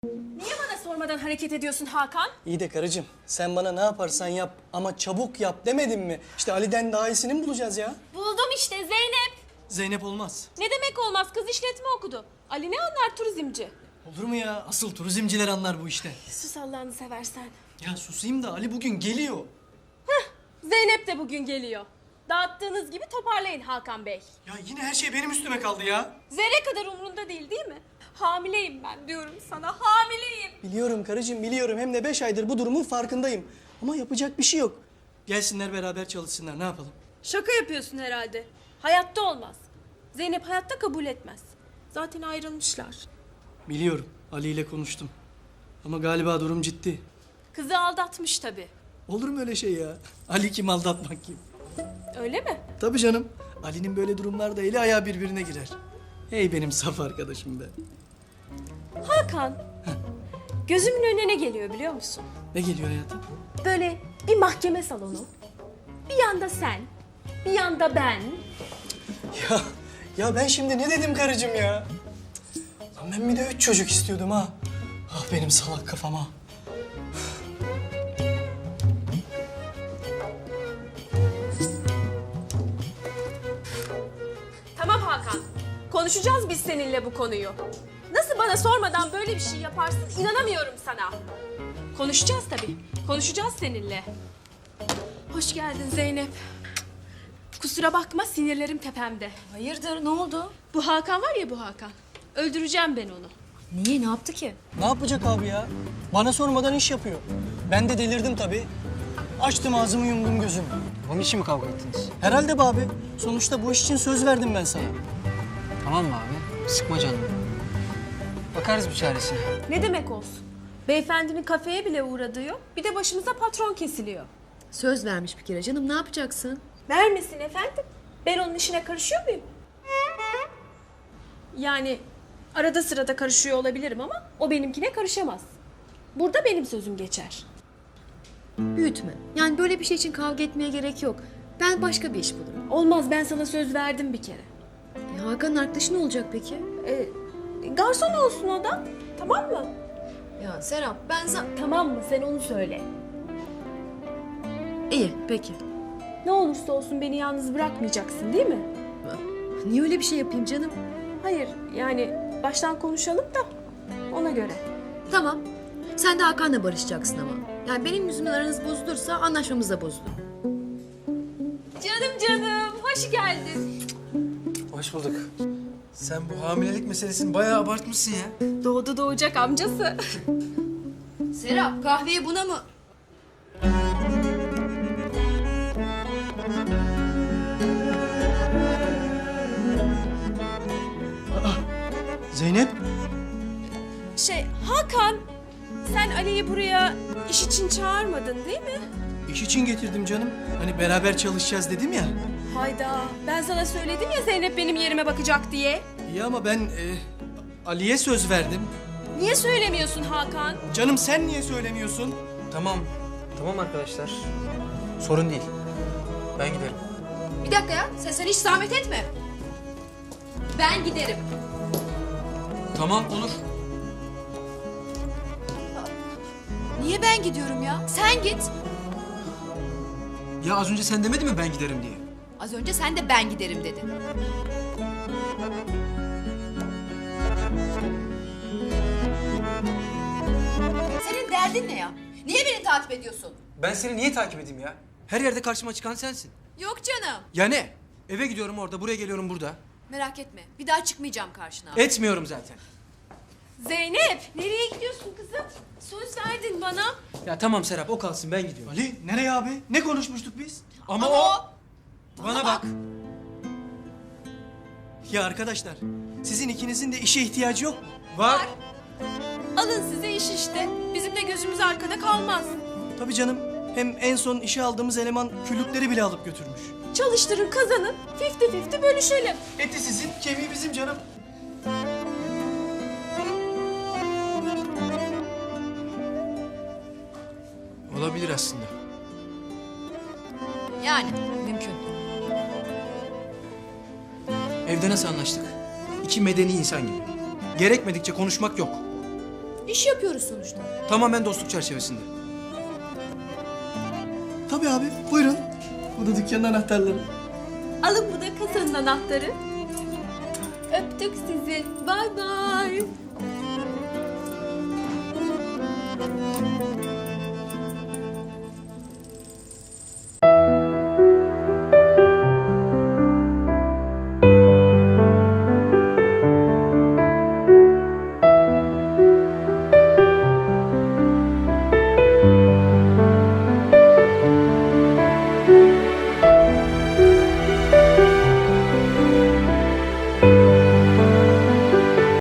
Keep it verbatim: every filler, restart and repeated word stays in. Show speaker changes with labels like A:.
A: Niye bana sormadan hareket ediyorsun Hakan?
B: İyi de karıcığım, sen bana ne yaparsan yap ama çabuk yap demedim mi? İşte Ali'den daha iyisini mi bulacağız ya?
A: Buldum işte Zeynep.
B: Zeynep olmaz.
A: Ne demek olmaz? Kız işletme okudu. Ali ne anlar turizmci?
B: Olur mu ya? Asıl turizmciler anlar bu işte.
A: Sus Allah'ını seversen.
B: Ya susayım da Ali bugün geliyor.
A: Zeynep de bugün geliyor. Dağıttığınız gibi toparlayın Hakan Bey.
B: Ya yine her şey benim üstüme kaldı ya.
A: Zerre kadar umrunda değil değil mi? Hamileyim ben diyorum sana, hamileyim.
B: Biliyorum karıcığım, biliyorum. Hem de beş aydır bu durumun farkındayım. Ama yapacak bir şey yok. Gelsinler beraber çalışsınlar, ne yapalım?
A: Şaka yapıyorsun herhalde. Hayatta olmaz. Zeynep hayatta kabul etmez. Zaten ayrılmışlar.
B: Biliyorum, Ali ile konuştum. Ama galiba durum ciddi.
A: Kızı aldatmış tabii.
B: Olur mu öyle şey ya? Ali kim, aldatmak kim?
A: Öyle mi?
B: Tabii canım. Ali'nin böyle durumlarda eli ayağı birbirine girer. Hey benim saf arkadaşım be.
A: Hakan, gözümün önüne ne geliyor biliyor musun?
B: Ne geliyor hayatım?
A: Böyle bir mahkeme salonu. Bir yanda sen, bir yanda ben.
B: Ya, ya ben şimdi ne dedim karıcığım ya? Lan ben bir de üç çocuk istiyordum ha. Ah benim salak kafama.
A: Tamam Hakan, konuşacağız biz seninle bu konuyu. Nasıl bana sormadan böyle bir şey yaparsın inanamıyorum sana. Konuşacağız tabii, konuşacağız seninle. Hoş geldin Zeynep. Kusura bakma sinirlerim tepemde.
C: Hayırdır, ne oldu?
A: Bu Hakan var ya bu Hakan. Öldüreceğim ben onu.
C: Niye, ne yaptı ki?
B: Ne yapacak abi ya? Bana sormadan iş yapıyor. Ben de delirdim tabii. Açtım ağzımı, yumdum gözümü.
D: Onun için mi kavga ettiniz?
B: Herhalde be abi. Sonuçta bu iş için söz verdim ben sana.
D: Tamam mı abi? Sıkma canını. Bakarız bir çaresine.
A: Ne demek olsun? Beyefendinin kafeye bile uğradığı yok. Bir de başımıza patron kesiliyor.
C: Söz vermiş bir kere canım, ne yapacaksın?
A: Vermesin efendim. Ben onun işine karışıyor muyum? Yani arada sırada karışıyor olabilirim ama o benimkine karışamaz. Burada benim sözüm geçer.
C: Büyütme. Yani böyle bir şey için kavga etmeye gerek yok. Ben başka bir iş bulurum.
A: Olmaz, ben sana söz verdim bir kere.
C: E, Hakan'ın arkadaşı ne olacak peki?
A: Ee, garson olsun o da. Tamam mı?
C: Ya Serap, ben za...
A: Tamam mı? Sen onu söyle.
C: İyi, peki.
A: Ne olursa olsun beni yalnız bırakmayacaksın değil mi?
C: Niye öyle bir şey yapayım canım?
A: Hayır, yani baştan konuşalım da ona göre.
C: Tamam. Sen de Hakan'la barışacaksın ama. Yani benim yüzümden aranız bozulursa anlaşmamız da bozulur.
A: Canım canım, hoş geldin.
D: Hoş bulduk. Sen bu hamilelik meselesini bayağı abartmışsın ya.
A: Doğdu doğacak amcası.
C: Serap, kahveyi buna mı...
B: Zeynep.
A: Şey, Hakan, sen Ali'yi buraya iş için çağırmadın değil mi?
B: İş için getirdim canım. Hani beraber çalışacağız dedim ya.
A: Hayda, ben sana söyledim ya Zeynep benim yerime bakacak diye.
B: İyi ama ben e, Ali'ye söz verdim.
A: Niye söylemiyorsun Hakan?
B: Canım sen niye söylemiyorsun?
D: Tamam. Tamam arkadaşlar. Sorun değil. Ben giderim.
C: Bir dakika ya, sen, sen hiç zahmet etme. Ben giderim.
D: Tamam olur.
C: Niye ben gidiyorum ya? Sen git.
D: Ya az önce sen demedin mi ben giderim diye?
C: Az önce sen de ben giderim dedin. Senin derdin ne ya? Niye beni takip ediyorsun?
D: Ben seni niye takip edeyim ya? Her yerde karşıma çıkan sensin.
C: Yok canım.
D: Ya ne? Eve gidiyorum orada, buraya geliyorum burada.
C: Merak etme. Bir daha çıkmayacağım karşına.
D: Etmiyorum zaten.
A: Zeynep, nereye gidiyorsun kızım? Söz verdin bana.
D: Ya tamam Serap, o kalsın, ben gidiyorum.
B: Ali nereye abi? Ne konuşmuştuk biz?
D: Ama,
C: Ama
D: o...
C: o-
D: Bana bak.
B: Ya arkadaşlar, sizin ikinizin de işe ihtiyacı yok mu?
D: Var.
A: Alın size iş işte. Bizim de gözümüz arkada kalmaz.
B: Tabii canım. Hem en son işe aldığımız eleman küllükleri bile alıp götürmüş.
A: Çalıştırın, kazanın. Fifty fifty bölüşelim.
B: Eti sizin, kemiği bizim canım.
D: Olabilir aslında.
C: Yani mümkün.
D: Evde nasıl anlaştık? İki medeni insan gibi. Gerekmedikçe konuşmak yok.
C: İş yapıyoruz sonuçta.
D: Tamamen dostluk çerçevesinde.
B: Tabii abi, buyurun. Bu da dükkanın anahtarları.
A: Alın bu da kasanın anahtarı. Öptük sizi. Bay bay.